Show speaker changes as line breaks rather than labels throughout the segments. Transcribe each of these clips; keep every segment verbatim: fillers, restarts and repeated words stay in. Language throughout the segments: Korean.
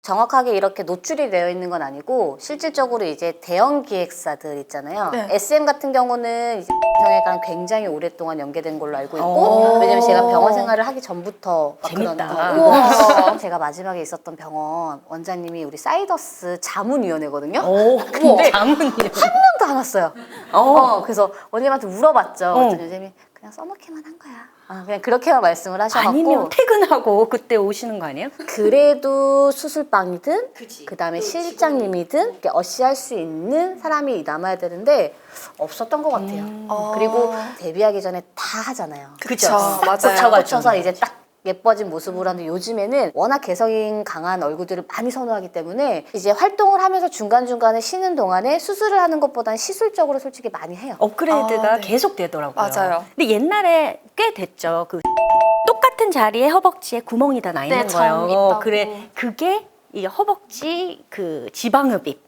정확하게 이렇게 노출이 되어 있는 건 아니고 실질적으로 이제 대형 기획사들 있잖아요.
네.
에스엠 같은 경우는 이제 병원이랑 굉장히 오랫동안 연계된 걸로 알고 있고, 왜냐면 제가 병원 생활을 하기 전부터 막
재밌다.
그런 거. 우와. 제가 마지막에 있었던 병원 원장님이 우리 사이더스 자문위원회거든요.
오, 근데 자문이.
한 명도 안 왔어요.
어.
어, 그래서 원장님한테 물어봤죠.
어.
그랬더니 원장님이 그냥 써놓기만 한 거야. 아, 그냥 그렇게만 말씀을 하셔갖고.
아니면 퇴근하고 그때 오시는 거 아니에요?
그래도 수술방이든 그 다음에 실장님이든 이렇게 어시할 수 있는 사람이 남아야 되는데 없었던 것 같아요.
음.
그리고 데뷔하기 전에 다 하잖아요.
그쵸, 맞아요.
꽂혀서 이제 딱 예뻐진 모습으로 하는데 요즘에는 워낙 개성이 강한 얼굴들을 많이 선호하기 때문에 이제 활동을 하면서 중간중간에 쉬는 동안에 수술을 하는 것보다는 시술적으로 솔직히 많이 해요.
업그레이드가
아, 네.
계속 되더라고요.
맞아요.
근데 옛날에 꽤 됐죠. 그 똑같은 자리에 허벅지에 구멍이 다 나 있는
네, 점
거예요.
있다고.
그래, 그게 이 허벅지 그 지방흡입.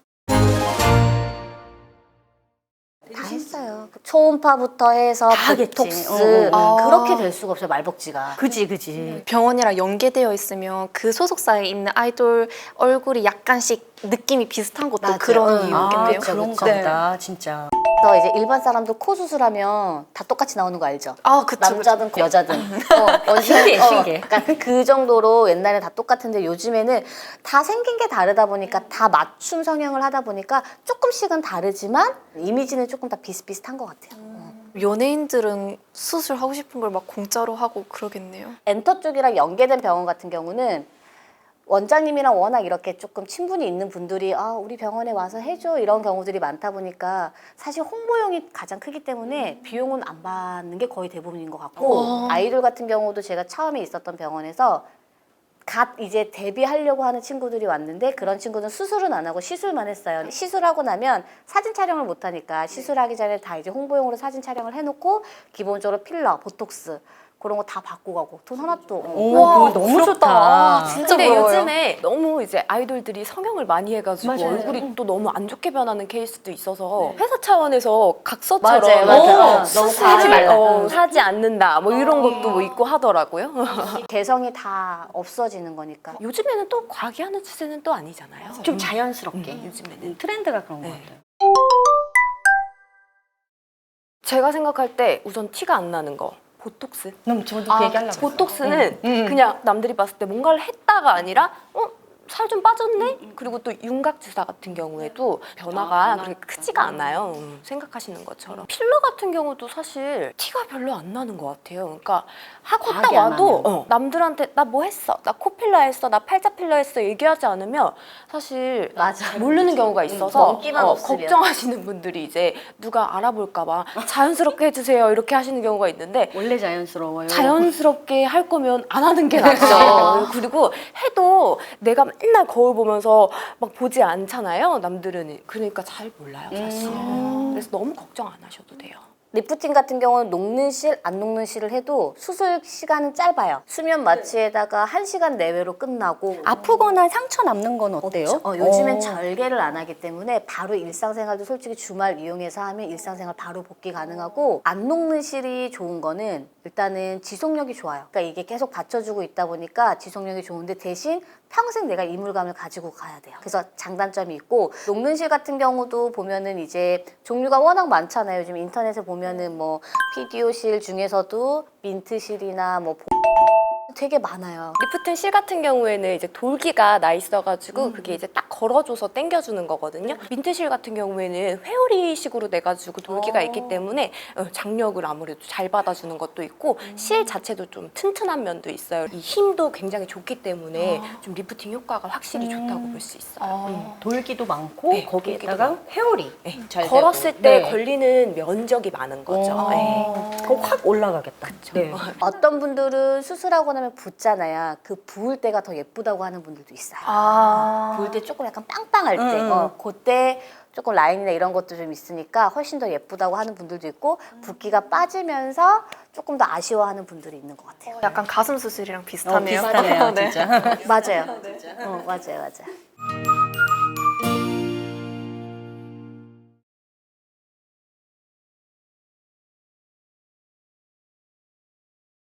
다 했어요. 초음파부터 해서
다 하겠지.
보톡스
어,
어.
그렇게 될 수가 없어요. 말벅지가.
그지, 그지.
병원이랑 연계되어 있으면 그 소속사에 있는 아이돌 얼굴이 약간씩 느낌이 비슷한 것도
맞아요.
그런
응.
이유겠네요.
아,
그렇죠,
그런가
그렇죠.
보다, 진짜.
그래서 이제 일반 사람도 코 수술하면 다 똑같이 나오는 거 알죠?
아, 그쵸,
남자든 여자든. 어, 완전,
신기해,
어,
신기해.
그러니까 그 정도로 옛날에 다 똑같은데 요즘에는 다 생긴 게 다르다 보니까 다 맞춤 성형을 하다 보니까 조금씩은 다르지만 이미지는 조금 다 비슷비슷한 것 같아요. 어.
연예인들은 수술하고 싶은 걸 막 공짜로 하고 그러겠네요.
엔터 쪽이랑 연계된 병원 같은 경우는 원장님이랑 워낙 이렇게 조금 친분이 있는 분들이 아 우리 병원에 와서 해줘 이런 경우들이 많다 보니까 사실 홍보용이 가장 크기 때문에 비용은 안 받는 게 거의 대부분인 것 같고
어.
아이돌 같은 경우도 제가 처음에 있었던 병원에서 갓 이제 데뷔하려고 하는 친구들이 왔는데 그런 친구는 수술은 안 하고 시술만 했어요. 시술하고 나면 사진 촬영을 못 하니까 시술하기 전에 다 이제 홍보용으로 사진 촬영을 해놓고 기본적으로 필러, 보톡스 그런 거 다 받고 가고 돈 하나도 어.
오,
우와,
그거 너무
부럽다.
좋다.
진짜
근데
부러워요.
요즘에 너무 이제 아이돌들이 성형을 많이 해가지고
맞아요.
얼굴이 또 너무 안 좋게 변하는 케이스도 있어서 회사 차원에서 각서처럼
맞아요, 맞아요.
어,
어,
수술을,
너무 과하지 말라.
어, 사지 않는다 뭐 이런 것도 뭐 있고 하더라고요.
개성이 다 없어지는 거니까.
요즘에는 또 과하게 하는 추세는 또 아니잖아요.
좀 자연스럽게.
음, 요즘에는.
음, 트렌드가 그런 것
네.
같아요.
제가 생각할 때 우선 티가 안 나는 거 보톡스.
너무 저도
아,
그 얘기하려고 했어요.
보톡스는
음, 음.
그냥 남들이 봤을 때 뭔가를 했다가 아니라 어? 살 좀 빠졌네? 그리고 또 윤곽 주사 같은 경우에도 변화가 그렇게 크지가 않아요. 음, 생각하시는 것처럼. 필러 같은 경우도 사실 티가 별로 안 나는 것 같아요. 그러니까 하고 딱
과하게 안
와도
하면.
어, 남들한테 나 뭐 했어? 나 코필러 했어? 나 팔자 필러 했어? 얘기하지 않으면 사실
맞아.
모르는 경우가 있어서
먹기만
어,
없으면.
걱정하시는 분들이 이제 누가 알아볼까 봐 자연스럽게 해주세요 이렇게 하시는 경우가 있는데
원래 자연스러워요.
자연스럽게 할 거면 안 하는 게 낫죠. 그리고 해도 내가 맨날 거울 보면서 막 보지 않잖아요. 남들은. 그러니까 잘 몰라요, 사실.
음.
그래서 너무 걱정 안 하셔도 돼요.
리프팅 같은 경우는 녹는 실, 안 녹는 실을 해도 수술 시간은 짧아요. 수면 마취에다가 한 시간 내외로 끝나고
아프거나 상처 남는 건 어때요?
어, 요즘엔
어.
절개를 안 하기 때문에 바로 일상생활도 솔직히 주말 이용해서 하면 일상생활 바로 복귀 가능하고 안 녹는 실이 좋은 거는 일단은 지속력이 좋아요. 그러니까 이게 계속 받쳐주고 있다 보니까 지속력이 좋은데 대신 평생 내가 이물감을 가지고 가야 돼요. 그래서 장단점이 있고 녹는 실 같은 경우도 보면은 이제 종류가 워낙 많잖아요. 요즘 인터넷에 보면은 뭐 피디오 실 중에서도 민트 실이나 뭐 되게 많아요.
리프팅 실 같은 경우에는 이제 돌기가 나 있어가지고 그게 이제 딱 걸어줘서 당겨주는 거거든요. 민트실 같은 경우에는 회오리식으로 돼가지고 돌기가
어.
있기 때문에 어, 장력을 아무래도 잘 받아주는 것도 있고 실 자체도 좀 튼튼한 면도 있어요. 이 힘도 굉장히 좋기 때문에 좀 리프팅 효과가 확실히 좋다고 볼 수 있어요. 음.
돌기도 많고
네,
거기에다가
돌기도
회오리
네,
잘
걸었을
되고.
때
네.
걸리는 면적이 많은 거죠.
어.
네.
그거 확 올라가겠다. 네.
어떤 분들은 수술하고 나면 붓잖아요. 그 부을 때가 더 예쁘다고 하는 분들도 있어요.
아.
부을 때 조금 약간 빵빵할 때,
음.
어, 그때 조금 라인이나 이런 것도 좀 있으니까 훨씬 더 예쁘다고 하는 분들도 있고 붓기가 빠지면서 조금 더 아쉬워하는 분들이 있는 것 같아요.
약간 가슴 수술이랑
어,
비슷하네요.
비슷하네요,
네.
진짜.
맞아요. 어, 맞아요, 맞아요.